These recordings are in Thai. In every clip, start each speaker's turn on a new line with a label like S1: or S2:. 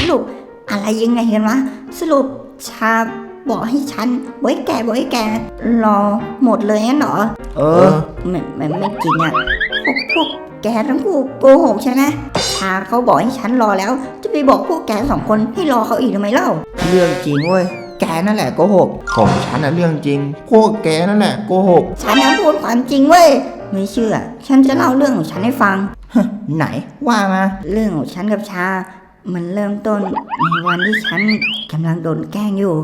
S1: รุปอะไรยังไงกันวะสรุปชาบอกให้ฉันไว้แกรอหมดเลยงั้นเหรอไม่จริงอ่ะพวกแกทั้งคู่โกหกใช่ไหมชาเขาบอกให้ฉันรอแล้วจะไปบอกพวกแก2 คนให้รอเขาอีกทำไมเล่า
S2: เรื่องจริงเว้ยแกนั่นแหละโกหกของฉันน่ะเรื่องจริงพวกแกนั่นแหละโกหก
S1: ฉันนั้นพูดความจริงเว้ยไม่เชื่อฉันจะเล่าเรื่องของฉันให้ฟัง
S2: ไหนว่ามา
S1: เรื่องของฉันกับชามันเริ่มต้นในวันที่ฉันกำลังโดนแกล้งอยู่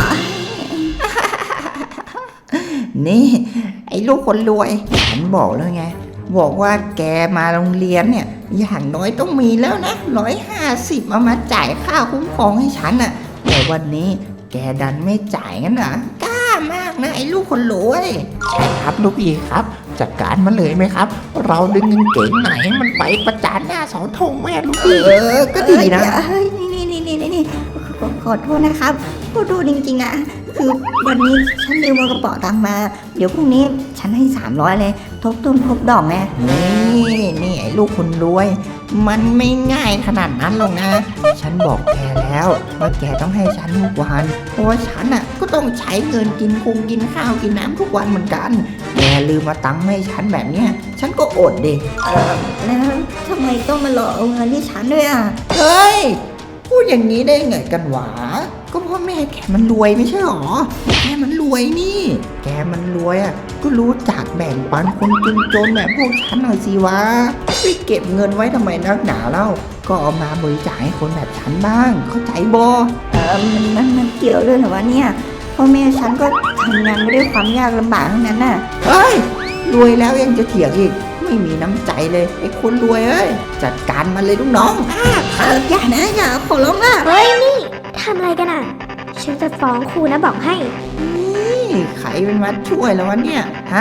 S2: นี่ไอ้ลูกคนรวยฉันบอกแล้วไงบอกว่าแกมาโรงเรียนเนี่ยอย่างน้อยต้องมีแล้วนะ150เอามาจ่ายค่าคุ้มครองให้ฉันน่ะแต่วันนี้แกดันไม่จ่ายงั้นนะกล้ามากนะไอ้ลูกคนรวยใช่ครับลูกพี่ครับจัดการมาเลยไหมครับเราดึงเงินเก๋งไหนมันไปประจานหน้าเสาธงแม่ลูกพี่
S1: ก็ดีนะนี่ขอโทษนะครับขอโทษจริงๆนะคือวันนี้ฉันลืมเอากระเป๋าตังค์มาเดี๋ยวพรุ่งนี้ฉันให้300เลยทบต้นทบดอกไง
S2: นี่ไอ้ลูกคนรวยมันไม่ง่ายขนาดนั้นหรอกนะฉันบอกแกแล้วว่าแกต้องให้ฉันทุกวันเพราะว่าฉันอ่ะก็ต้องใช้เงินกินข้าวกินน้ำทุกวันเหมือนกันแกลืมมาตังค์ให้ฉันแบบเนี้ยฉันก็อดดิ
S1: แล้วทำไมต้องมารอเอาเงินที่ฉันด้วยอ่ะ
S2: เฮ้ยพูดอย่างนี้ได้ไงกันหวะก็เพราะแม่แกมันรวยไม่ใช่หรอแกมันรวยนี่แกมันรวยอ่ะก็รู้จักแบ่งปันคนจนแบบพวกฉันหน่อยสิวะไปเก็บเงินไว้ทำไมนักหนาเล่าก็เอามาบริจาคให้คนแบบฉันบ้างเข้าใจบ่
S1: มันเกี่ยวด้วยเหรอวะเนี่ยพ่อแม่ฉันก็ทำงานไม่ได้ความยากลำบากทั้งนั้นน่ะ
S2: เฮ้ยรวยแล้วยังจะเถียงอีกไม่มีน้ำใจเลยไอ้คนรวยเอ้ยจัดการมันเลยลูกน้อง
S1: อย่านะอย่าขอร้อง
S3: เฮ้ยนี่ทำอะไรกันอ่ะฉันจะฟ้องครูนะบอกให้
S2: นี่ใครเป็นมาช่วยแล้ววะเนี่ยฮะ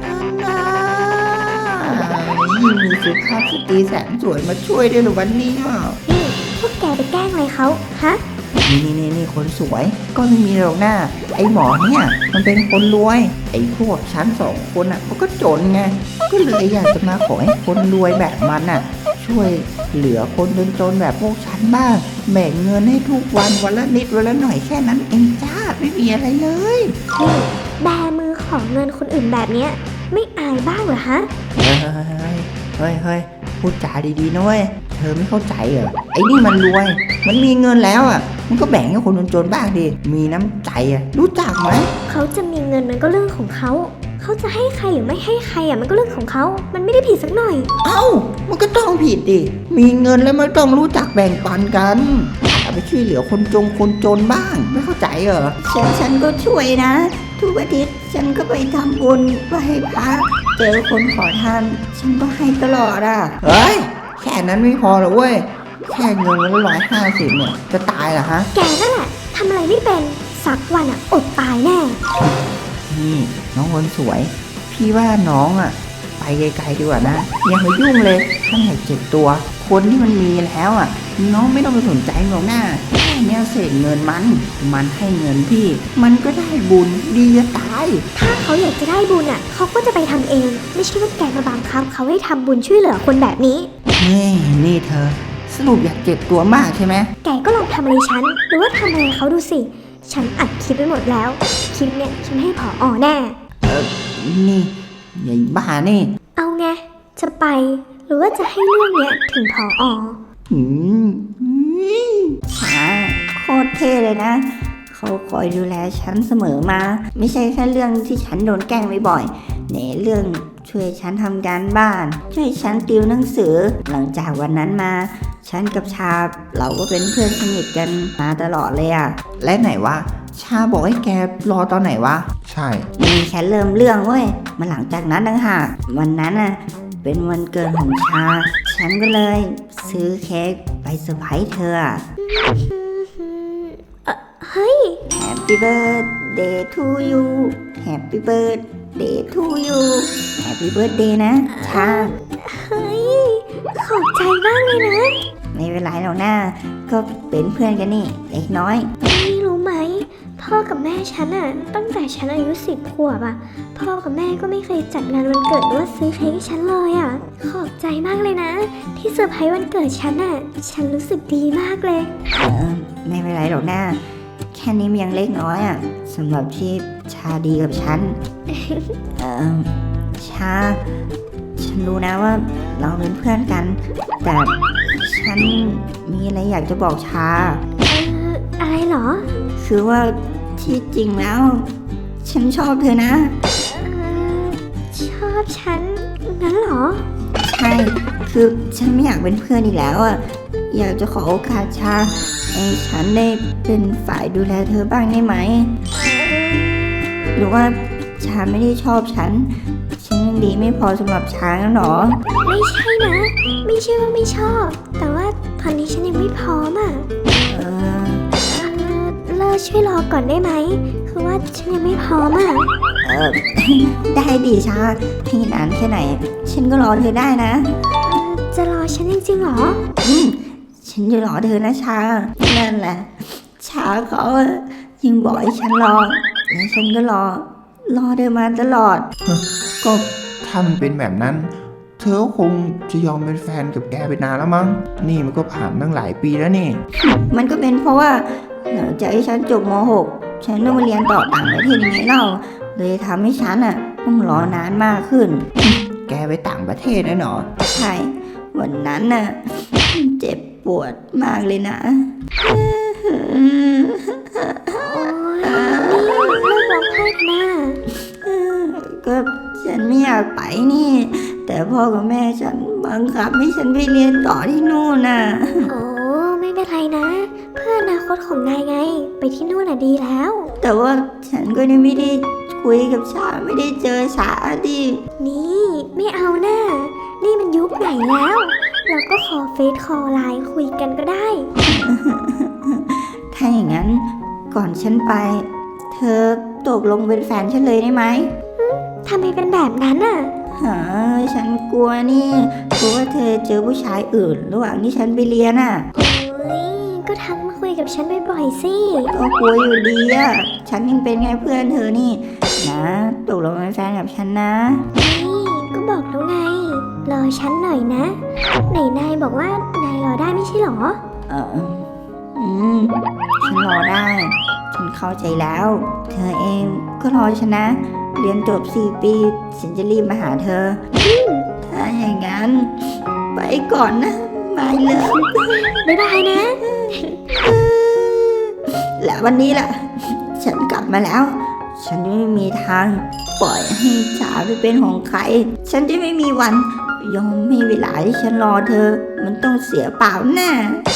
S2: ยิ่งมีสุภาพสตรีแสนสวยมาช่วยด้วยหรือวันนี้
S3: นี่พวกแกไปแกล้งอะไรเขาฮะ
S2: นี่คนสวยก็ไม่มีหรอกหน้าไอ้หมอเนี่ยมันเป็นคนรวยไอ้พวกชั้น2 คนอ่ะมันก็จนไงก็เลยอยากจะมาขอให้คนรวยแบบมันอ่ะช่วยเหลือคนจนแบบพวกฉันบ้างแบ่งเงินให้ทุกวันวันละนิดวันละหน่อยแค่นั้นเองจ้าไม่มีอะไรเลย
S3: นี่แบมือของเงินคนอื่นแบบเนี้ยไม่อายบ้างเหรอฮะ
S2: เฮ้ยพูดจาดีๆนะเว้ยเธอไม่เข้าใจเหรอไอ้นี่มันรวยมันมีเงินแล้วอ่ะมันก็แบ่งให้คนจนบ้างดิมีน้ำใจอ่ะรู้จักไหม
S3: เขาจะมีเงินมันก็เรื่องของเขาจะให้ใครหรือไม่ให้ใครอ่ะมันก็เรื่องของเขามันไม่ได้ผิดสักหน่อย
S2: มันก็ต้องผิดดิมีเงินแล้วมันต้องรู้จักแบ่งปันกันเอาไปช่วยเหลือคนจนบ้างไม่เข้าใจเหรอ
S1: ฉันก็ช่วยนะทุกอาทิตย์ฉันก็ไปทำบุญไปให้พระเจอคนขอทานฉันก็ให้ตลอดอ่ะ
S2: เฮ้ยแค่นั้นไม่พอหรอกเว้ยแค่เงิน150เนี่ยจะตายเหรอฮะ
S3: แกนั่นแหละทำอะไรไม่เป็นสักวันอ่ะอดตายแน่
S2: นี่น้องคนสวยพี่ว่าน้องอ่ะไปไกลๆดีกว่านะอย่ามายุ่งเลยถ้าอยากเจ็บตัวคนที่มันมีแล้วอ่ะน้องไม่ต้องไปสนใจหรอกหน้าแค่เนี้ยเศษเงินมันให้เงินพี่มันก็ได้บุญดีจะตาย
S3: ถ้าเขาอยากจะได้บุญอ่ะเขาก็จะไปทำเองไม่ใช่ว่าแกมาบังคับเขาให้ทำบุญช่วยเหลือคนแบบนี้
S2: นี่เธอสรุปอยากเจ็บตัวมากใช่ไหม
S3: แกก็ลองทำอะไรฉันหรือว่าทำอะไรเขาดูสิฉันอัดคลิปไปหมดแล้วคลิปเนี่ยฉันให้ผอ.แน่
S2: นี่ใหญ่บ้านี่
S3: เอาไงจะไปหรือว่าจะให้เรื่องเนี้ยถึงผอ.
S1: ช้าโคตรเท่เลยนะเขาคอยดูแลฉันเสมอมาไม่ใช่แค่เรื่องที่ฉันโดนแกล้งบ่อยๆในเรื่องช่วยฉันทำการบ้านช่วยฉันติวหนังสือหลังจากวันนั้นมาฉันกับชาเราก็เป็นเพื่อนสนิทกันมาตลอดเลยอ่ะ
S2: และไหนวะชาบอกให้แกรอตอนไหนวะใช่
S1: มีแค่เริ่มเรื่องเว้ยมาหลังจากนั้นต่างหากวันนั้นน่ะเป็นวันเกิดของชาฉันก็เลยซื้อเค้กไปเซอร์ไพรส์เธอ
S3: เฮ้ย
S1: Happy birthday to you Happy birthday to you Happy birthday นะชา
S3: เฮ้ยขอบใจมากเลยนะ
S1: ไม่เป็นไรหรอกนะก็เป็นเพื่อนกันนี่เล็กน้อย
S3: นี่รู้ไหมพ่อกับแม่ฉันอะตั้งแต่ฉันอายุ10 ขวบอะพ่อกับแม่ก็ไม่เคยจัดงานวันเกิดหรือว่าซื้อเค้กให้ฉันเลยอะขอบใจมากเลยนะที่เซอร์ไพรส์วันเกิดฉันอะฉันรู้สึกดีมากเลย
S1: ไม่เป็นไรหรอกนะแค่นี้มันยังเล็กน้อยอ่ะสำหรับที่ชาดีกับฉัน ฉันรู้นะว่าเราเป็นเพื่อนกัน แต่ฉันมีอะไรอยากจะบอกชา
S3: อะไรเหรอ
S1: คือว่าที่จริงแล้ว ฉันชอบเธอนะ
S3: ชอบฉันงั้นเหรอ
S1: ใช่ คือฉันไม่อยากเป็นเพื่อนอีกแล้วอ่ะ อยากจะขอโอกาสชาให้ฉันได้เป็นฝ่ายดูแลเธอบ้างได้ไหม หรือว่าชาไม่ได้ชอบฉันยังดีไม่พอสำหรับชาแล้วหรอ
S3: ไม่ใช่นะ ไม่ใช่ว่าไม่ชอบ แต่ว่าตอนนี้ฉันยังไม่พร้อมอ่ะ
S1: เออ
S3: เลิกช่วยรอก่อนได้ไหม คือว่าฉันยังไม่พร้อมอ่ะ
S1: ได้ดีชาให้นานแค่ไหน ฉันก็รอเธอได้นะ
S3: จะรอฉันจริงๆเหรอ
S1: ฉันจะรอเธอนะชา นั่นแหละ ชาเขายังบอกให้ฉันรอ และฉันก็รอเธอมาตลอด
S2: ก็ถ้ามันเป็นแบบนั้น เธอก็คงจะยอมเป็นแฟนกับแกไปนานแล้วมั้งนี่มันก็ผ่านตั้งหลายปีแล้วนี่
S1: มันก็เป็นเพราะว่าหลังจากที่ฉันจบม .6 ฉันต้องมาเรียนต่อต่างประเทศยังไงเล่า เลยทำให้ฉันต้องรอนานมากขึ้น
S2: แกไปต่างประเทศนะหนอ
S1: ใช่ วันนั้นเจ็บปวดมากเลยนะ
S3: โอ้ยนี่เลิกร้องไห้นะ
S1: ก็ฉันไม่อยากไปนี่ แต่พ่อกับแม่ฉันบังคับให้ฉันไปเรียนต่อที่นู่นน่ะ
S3: โอ้ไม่เป็นไรนะ เพื่ออนาคตของนายไง ไปที่นู่นน่ะดีแล้ว
S1: แต่ว่าฉันก็ยังไม่ได้คุยกับชาไม่ได้เจอชาดิ
S3: นี่ไม่เอาหน้า นี่มันยุคไหนแล้ว เราก็ขอเฟซคอลไลน์คุยกันก็ได้
S1: ถ้าอย่างนั้นก่อนฉันไป เธอตกลงเป็นแฟนฉันเลยได้ไหม
S3: ทำไมเป็นแบบนั้นอ่ะ
S1: ฉันกลัวนี่กลัวว่าเธอเจอผู้ชายอื่น ระหว่างที่ฉันไปเรียน
S3: โอ้ยก็ทักมาคุยกับฉันบ่อยๆสิ
S1: ก็กลัวอยู่ดีฉันยังเป็นไงเพื่อนเธอนี่ นะตกลงเป็นแฟนกับฉันนะ
S3: นี่ก็บอกแล้วไง รอฉันหน่อยนะ ไหนนายบอกว่านายรอได้ไม่ใช่หรอ
S1: ฉันรอได้ ฉันเข้าใจแล้ว เธอเองก็รอฉันนะ เรียนจบ4 ปี ฉันจะรีบมาหาเธอ ถ้าอย่างนั้น ไปก่อนนะไม่เลย
S3: บ๊ายบายนะ
S1: และวันนี้ล่ะ ฉันกลับมาแล้ว ฉันจะไม่มีทางปล่อยให้ชาไปเป็นของใคร ฉันจะไม่มีวัน ยอมให้เวลาที่ฉันรอเธอ มันต้องเสียเปล่าแน่